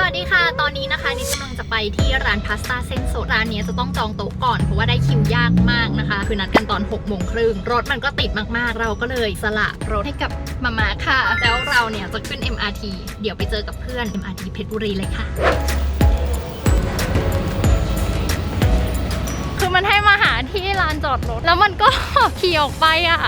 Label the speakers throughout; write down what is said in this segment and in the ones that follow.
Speaker 1: วัสดีค่ะตอนนี้นะคะนิดกำลังจะไปที่ร้านพาสต้าเส้นสดร้านนี้จะต้องจองโต๊ะก่อนเพราะว่าได้คิวยากมากนะคะคือนัดกันตอน6:30รถมันก็ติดมากๆเราก็เลยสละรถให้กับมาค่ะแล้วเราเนี่ยจะขึ้น MRT เดี๋ยวไปเจอกับเพื่อน MRT เพชรบุรีเลยค่ะคือมันให้มาหาที่ลานจอดรถแล้วมันก็ขี่ออกไปอ่ะ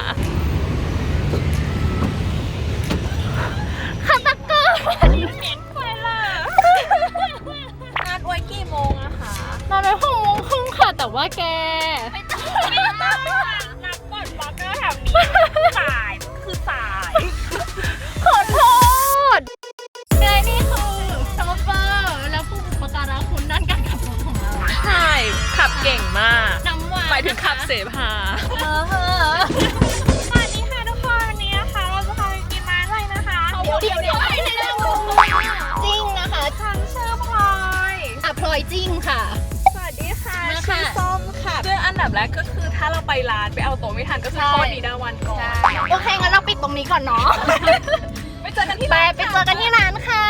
Speaker 1: คาตะเกอร์เหม็นไปเลย
Speaker 2: นัดไว้กี่โมงอะคะ
Speaker 1: นัดไว้6:30ค่ะแต่ว่าแก
Speaker 2: ไม่ต้องนัดก่อนบล็อกเกอร์แถวนี้สายคือสาย
Speaker 1: ขอโทษไงนี่คือซัมเปอร์แล้วผู้อุปการะคุณด้านการขับรถของเรา
Speaker 2: ใช่ขับเก่งมาก
Speaker 1: น้ำหวาน
Speaker 2: หมายถึงขับเสพาสวัสดีค่ะทุกคนวันนี้นะคะเราจะพาไปกินร้านอะไรนะคะ
Speaker 1: เดี๋ยวให้ในเรื่องจริงนะคะ
Speaker 2: ฉันชื่อพลอย
Speaker 1: พลอยจริงค่ะ
Speaker 2: สวัสดีค่ะชื่อส้มค่ะซึ่งอันดับแรกก็คือถ้าเราไปร้านไปเอาโต๊ะไม่ทันก็คือโทษนิดาวันก่อน
Speaker 1: โอเคงั้นเราปิดตรงนี้ก่อนเนาะ
Speaker 2: ไปเจอกันที่ร้าน
Speaker 1: ไปเจอกันที่ร้านค่ะ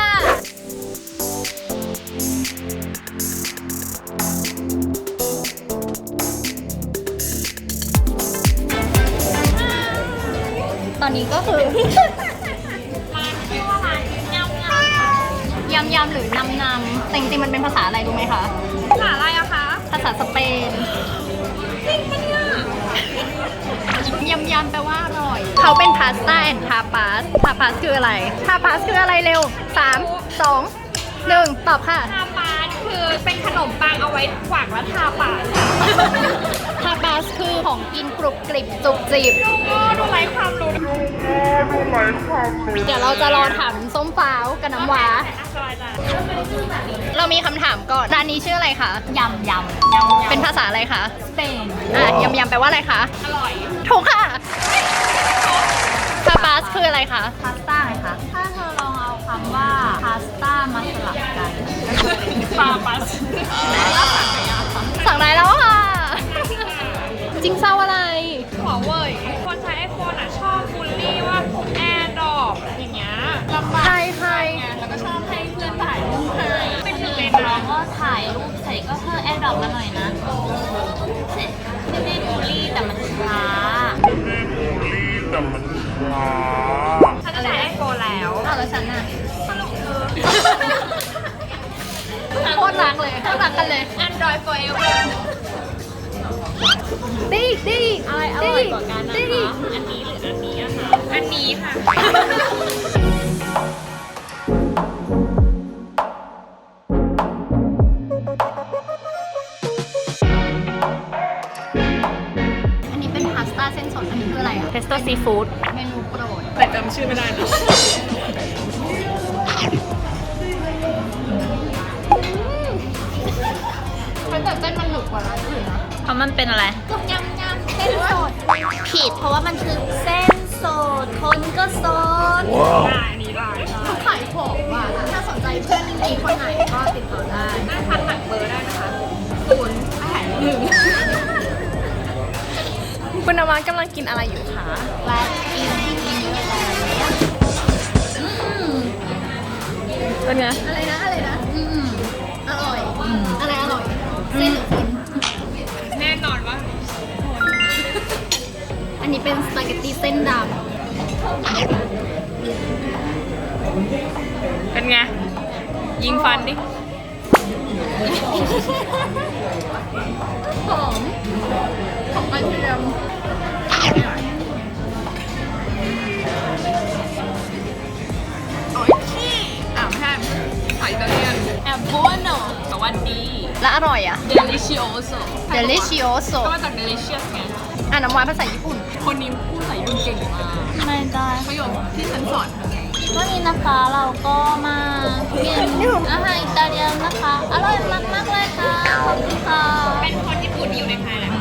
Speaker 1: ตอนนี้ก็คือ
Speaker 2: ร้านชื่อว่าร้าน
Speaker 1: ยำหรือนำแต่จริงๆมันเป็นภาษาอะไรรู้ไหมคะ
Speaker 2: ภาษาอะไรอะคะ
Speaker 1: ภาษาสเปน
Speaker 2: จริงปะเนี่ย
Speaker 1: ยำแปลว่าอร่อยเขาเป็นพาสต้าแอนด์ทาปาสคืออะไรทาปาสคืออะไรเร็ว3 2 1ตอบค่ะ
Speaker 2: ทาปาสคือเป็นขนมปังเอาไว้ขวางแล้วทาปาก
Speaker 1: ทาปาสคือของกินกรุบกริบจุบจิบ
Speaker 2: ดูไร้ความรู้
Speaker 1: เดี๋ยวเราจะรอถามส้มฟ้าวกับน้ำว้าเรามีคำถามก่อนร้านนี้ชื่ออะไรคะยำเป็นภาษาอะไรคะ
Speaker 2: สเปน
Speaker 1: ยำแปลว่าอะไรคะ
Speaker 2: อร่อย
Speaker 1: ถูกค่ะทาปาสคืออะไรคะ
Speaker 2: พาสต้าไงคะถ้าเธอลองเอาคำว่าพาสต้ามาสลับกันทาปาส
Speaker 1: สั่งได้แล้วค่ะจริงเศร้าอะไร
Speaker 2: หัวเว่ยคนใช้ไอโฟนอ่ะชอบบูลลี่ว่าแอร์ดรอปอย่างเงี้ยลำบาก
Speaker 1: ใคร
Speaker 2: แล้วก็ชอบให้เพื่อนถ่ายรูปให้เป็นหนึ่งในน้องก็ถ่ายรูปเสร็จก็เพิ่มแอร์ดรอปมาหน่อยนะเสร็จไม่ได้บูลลี่แต่มันช้าฉันจะใช้ไอโฟนแล้ว
Speaker 1: แล้วฉันน่ะโคตรรักเลยโคตรรักกันเลย
Speaker 2: Android forever
Speaker 1: ดี
Speaker 2: อะไรอร่อยกว่ากันนะคะอันนี้หรืออันนี้อะคะอันนี้ค่ะ
Speaker 1: อันนี้เป็นพาสต้าเส้นสดอันนี้คืออะไรอะ
Speaker 2: เพสโต้ซีฟู้ด
Speaker 1: เมนูโปรด
Speaker 2: แต่จำชื่อไม่ได้นะ
Speaker 1: แต่เส้นมันหนึบกว่าร้านอื่นนะ
Speaker 2: เพราะมันเป็นอะไร
Speaker 1: ยำเส้นสด
Speaker 2: ผิดเพราะว่ามันคือเส้นสดคนก็สดได้นี่ได้
Speaker 1: เขาขายของว่ะถ้าสนใจเพื่อนมีคนไหนก็ติดต่อได้
Speaker 2: น่าทักหนักเบอร์ได้นะคะคุณนวัดกำลังกินอะไรอยู่คะ
Speaker 1: ว่ากิน
Speaker 2: เป็นไง
Speaker 1: อะไรนะอร่อยอะไรอร่อยเส้นหรือคน
Speaker 2: แน่นอนว่า
Speaker 1: อันนี้เป็นสปาเกตตี้เส้นดำ
Speaker 2: เป็นไงยิงฟันดิ
Speaker 1: หอมกระเทียม
Speaker 2: ไม่ใช่ไข่ตะเลียนแอบโบโนแต่ว่าดี
Speaker 1: และอร่อยอ่ะ
Speaker 2: delicioso
Speaker 1: ก็
Speaker 2: มาจาก delicious ไง
Speaker 1: น้ำหวานภาษาญี่ปุ่น
Speaker 2: คนนี้พูดภาษาญี่ปุ่นเก่งมาก
Speaker 1: ไม่ได้
Speaker 2: ประโยคที่ฉันสอนเธอไง
Speaker 1: วันนี้นะคะเราก็มากินอาหารอิตาเลียนนะคะอร่อยมากเลยค่ะขอบคุณค่ะ
Speaker 2: เป็นคนญี่ปุ่นอยู่ในไทยแหละ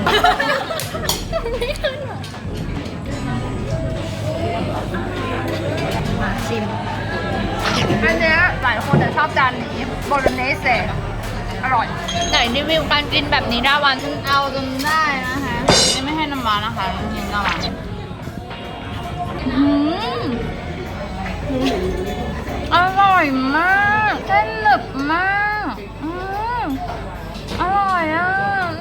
Speaker 1: มาชิมอันนี้หลายคนจะชอบจานนี้โบโลเนสอร่อยไหนรีวิวการกินแบบนี้ได้วันฉันเอาจนได้นะคะ
Speaker 2: นี่ไม่ให้น้ำมันนะคะกินน้ำมัน
Speaker 1: อร่อยร่อยมากเส้นหนึบมากอร่อยอ่ะ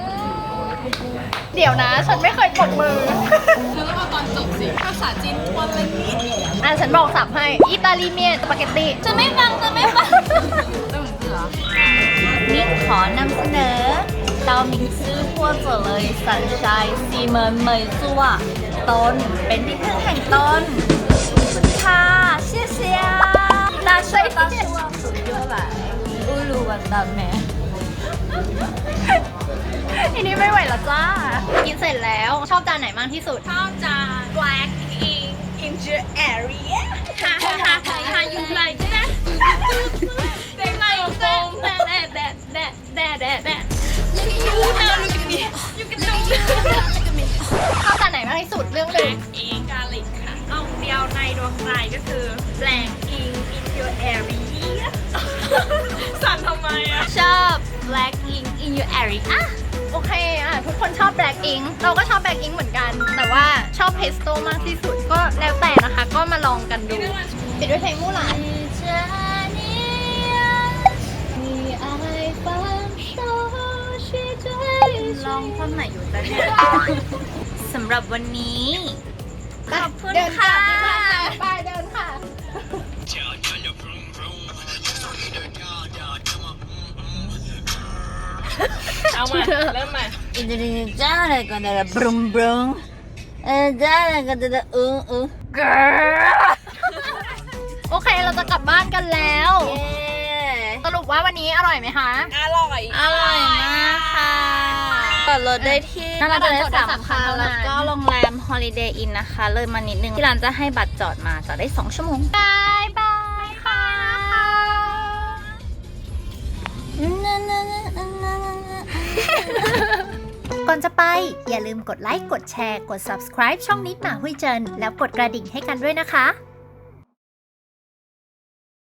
Speaker 1: เดี๋ยวนะฉันไม่เคยปรบมือฉันต้องมาตอนจบสิภาษาจีนวันละนิดฉันบอกสับให้อิตาลีเมียนสปาเกตตี้จะไม่ฟังนี่ขอนำเสนอเตาหมิงซื่อหัวเจ๋อเลยสันชายซีเมินเหมยซัวต้นเป็นที่พึ่งแห่งต้นค่ะเชี่ยเชี่ย大叔大叔数过来乌鲁วันดาแม่ทีนี้ไม่ไหวแล้วจ้ากินเสร็จแล้วชอบจานไหนมากที่สุดชอบจาน Black Ink in your area
Speaker 2: ha you like that they like that you can do
Speaker 1: ชอบจานไหนมากที่สุดเรื่องเลย
Speaker 2: เองกาลิกค่ะเอาเดียวในดวงใจก็คือ Black Ink in your area สั่นทำไมอ่ะ
Speaker 1: ชอบ Black Ink in your area โอเคทุกคนชอบ Black Ink เราก็ชอบ Black Ink เหมือนกันแต่ว่าชอบ Pesto มากที่สุดก็แล้วแต่นะคะก็มาลองกันดูปิดด้วยเพลงมู่หลาน
Speaker 2: ลองท่อนไหนอยู่แต่เนี่ยสำหรับวันนี้ขอบคุณค่ะ
Speaker 1: ไปเดินค่ะ
Speaker 2: เอามาเริ่มใหม่
Speaker 1: อินเดียจ้าอะไรกันเดี๋ยวบรุมบรุมจ้าอะไรกันเดี๋ยวโอเคเราจะกลับบ้านกันแล้วสรุปว่าวันนี้อร่อยไหมคะ
Speaker 2: อร่อยมากค่ะจอดรถได้ที่น่าจะได้3 ครั้งแล้วก็โรงแรม Holiday Inn นะคะเลยมานิดนึงที่ร้านจะให้บัตรจอดมาจอดได้2 ชั่วโมง
Speaker 1: บายบายค่ะก่อนจะไปอย่าลืมกดไลค์กดแชร์กด subscribe ช่องนิดหมาหุยเจินแล้วกดกระดิ่งให้กันด้วยนะคะ